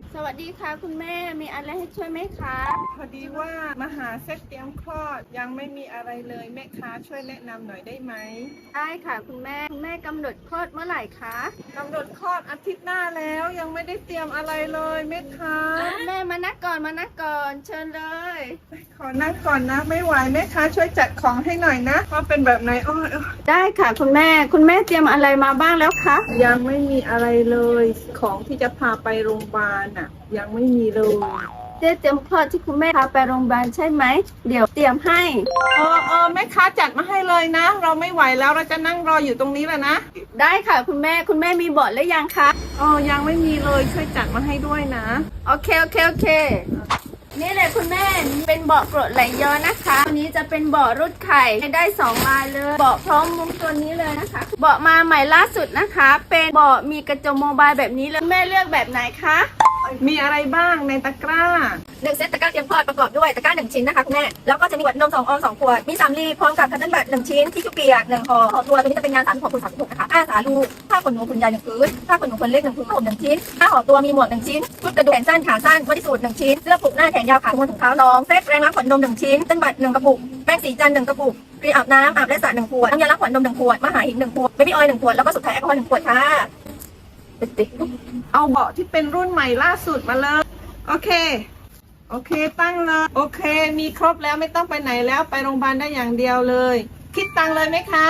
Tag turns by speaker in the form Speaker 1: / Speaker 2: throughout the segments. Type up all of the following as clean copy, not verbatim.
Speaker 1: สวัสดีค่ะคุณแม่มีอะไรให้ช่วยไหมคะ
Speaker 2: พอดีว่ามาหาเซ็ตเตรียมคลอดยังไม่มีอะไรเลยแม่ค้าช่วยแนะนำหน่อยได้ไหม
Speaker 1: ได้ค่ะคุณแม่กำหนดคลอดเมื่อไหร่คะ
Speaker 2: กำหนดคลอดอาทิตย์หน้าแล้วยังไม่ได้เตรียมอะไรเลยแม่ค้า
Speaker 1: แม่มานักก่อนเชิญเลย
Speaker 2: ขอนั่งก่อนนะไม่ไหวแม่ค้าช่วยจัดของให้หน่อยนะว่าเป็นแบบไหนอ้อย
Speaker 1: ได้ค่ะคุณแม่เตรียมอะไรมาบ้างแล้วคะ
Speaker 2: ยังไม่มีอะไรเลยของที่จะพาไปโรงพยาบาลน่ะยังไม่มีเลย
Speaker 1: เจ๊เตรียมคลอดที่คุณแม่พาไปโรงพยาบาลใช่ไหมเดี๋ยวเตรียมให้
Speaker 2: แม่ค้าจัดมาให้เลยนะเราไม่ไหวแล้วเราจะนั่งรออยู่ตรงนี้แหละนะ
Speaker 1: ได้ค่ะคุณแม่มีเบาะหรือยังคะ
Speaker 2: ยังไม่มีเลยช่วยจัดมาให้ด้วยนะ
Speaker 1: โอเคนี่เลยคุณแม่เป็นเบาะกรดไหลย้อนนะคะตัวนี้จะเป็นเบาะรุดไข่ได้2ลายเลยเบาะพร้อมมุ้งตัวนี้เลยนะคะเบาะมาใหม่ล่าสุดนะคะเป็นเบาะมีกระจกโมบายแบบนี้เลยแม่เลือกแบบไหนคะ
Speaker 2: มีอะไรบ้างในตะกร้า
Speaker 3: 1 เซตตะกร้าเตรียมคลอดประกอบด้วยตะกร้า1 ชิ้นนะคะคุณแม่แล้วก็จะมีขวดนม2 ออน2 ขวดมี3 ลีพร้อมกับคัตเติ้ลบัต1 ชิ้นที่ชุบเปียก1 ห่อตัวนี้จะเป็นงาน36x36นะคะผ้าสาลูผ้าขนหนูขนใหญ่1 พื้นผ้าขนหนูขนเล็ก1 พื้นผ้าห่ม1 ชิ้นผ้าห่อตัวมีหมวก1 ชิ้นชุดกระดุมแขนสั้นขาสั้นบอดี้สูท1 ชิ้นเสื้อผูกหน้าแขนยาวขาม้วนถุงเท้าน้องเซตแรงล้างขวดนม1 ชิ้นคัตเติ้ลบัต1 กระปุกแป้งสีจันทร์1 กระปุกครีมอาบน้ำอาบและสระ1 ขวดน้ำยาล้างขวดนม1 ขวดมหาหิน1 ขวดเบบี้ออยล์1 ขวดแล้วก็สุดท้ายแอลกอฮอล์1 ขวดค่ะ
Speaker 2: เอาเบาะที่เป็นรุ่นใหม่ล่าสุดมาเลยโอเคตั้งเลยโอเคมีครบแล้วไม่ต้องไปไหนแล้วไปโรงพยาบาลได้อย่างเดียวเลยคิดตังค์เลยไหมคะ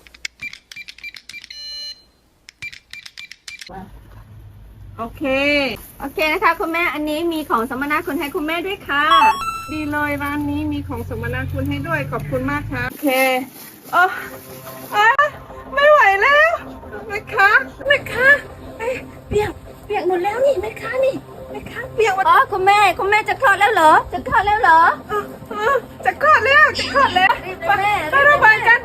Speaker 2: โอเค
Speaker 1: นะคะคุณแม่อันนี้มีของสัมมนาคุณให้คุณแม่ด้วยค่ะ
Speaker 2: ดีเลยร้านนี้มีของสมนาคุณให้ด้วยขอบคุณมากครับโอเคไม่ไหวแล้วแม่ค้า
Speaker 3: เปียกหมดแล้วนี่แม่ค้านี่แม่ค้าเปียกหมด
Speaker 1: คุณแม่จะคลอดแล้วเหรอ
Speaker 2: จะคลอดแล้ว
Speaker 1: รีบเลยแม่
Speaker 2: ไปโรงพยาบาลกัน